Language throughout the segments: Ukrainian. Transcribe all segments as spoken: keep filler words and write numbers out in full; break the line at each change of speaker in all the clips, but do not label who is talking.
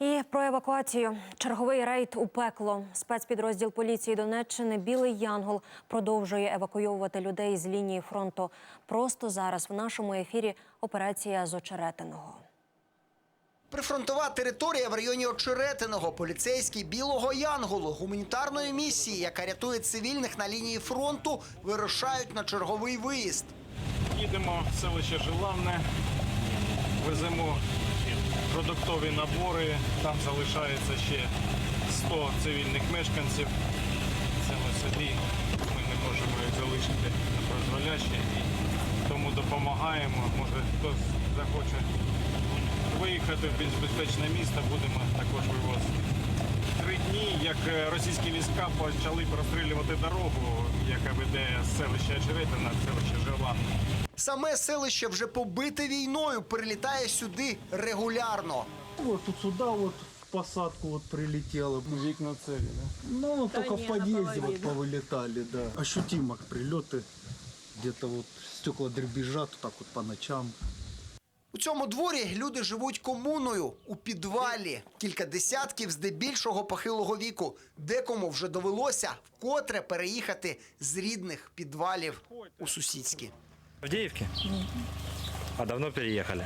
І про евакуацію. Черговий рейд у пекло. Спецпідрозділ поліції Донеччини «Білий Янгол» продовжує евакуйовувати людей з лінії фронту. Просто зараз в нашому ефірі операція з Очеретиного.
Прифронтова територія в районі Очеретиного. Поліцейські «Білого Янголу» гуманітарної місії, яка рятує цивільних на лінії фронту, вирушають на черговий виїзд.
Їдемо в селище Желанне, веземо продуктові набори, там залишається ще сто цивільних мешканців. Це ми собі, ми не можемо їх залишити на призволяще, і тому допомагаємо. Може хтось захоче виїхати в більш безпечне місто, будемо також вивозити. Три дні, як російські війська почали прострілювати дорогу, яка веде з селища Очеретина в селище Желанне.
Саме селище вже побите війною, прилітає сюди регулярно.
Вот тут сюда вот в посадку вот прилетело.
Вікна цілі, да?
Ну, только в подъезде вот повылетали, да. Ощутимо прилеты. Где-то вот стекла дребезжат вот так вот по ночам.
У цьому дворі люди живуть комуною у підвалі. Кілька десятків здебільшого похилого віку. Декому вже довелося вкотре переїхати з рідних підвалів у сусідські.
В Авдеевке? А давно переехали?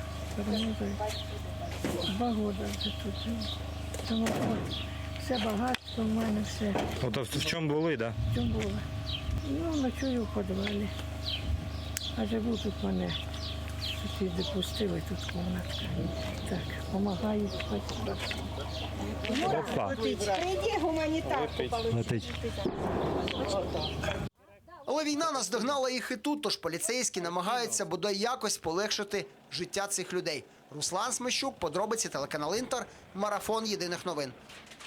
Два роки вже тут живу. Тому все багатство в мене, все.
Вот в чому були, да?
В чому було? Ну, ночую в підвалі. А живу тут мене. Сусіди пустили, тут кімнатка. Так, допомагають.
Опа.
Прийди гуманітарку
Летить.
Але війна наздогнала їх і тут, тож поліцейські намагаються бодай якось полегшити життя цих людей. Руслан Смещук, подробиці, телеканал «Інтер», марафон єдиних новин.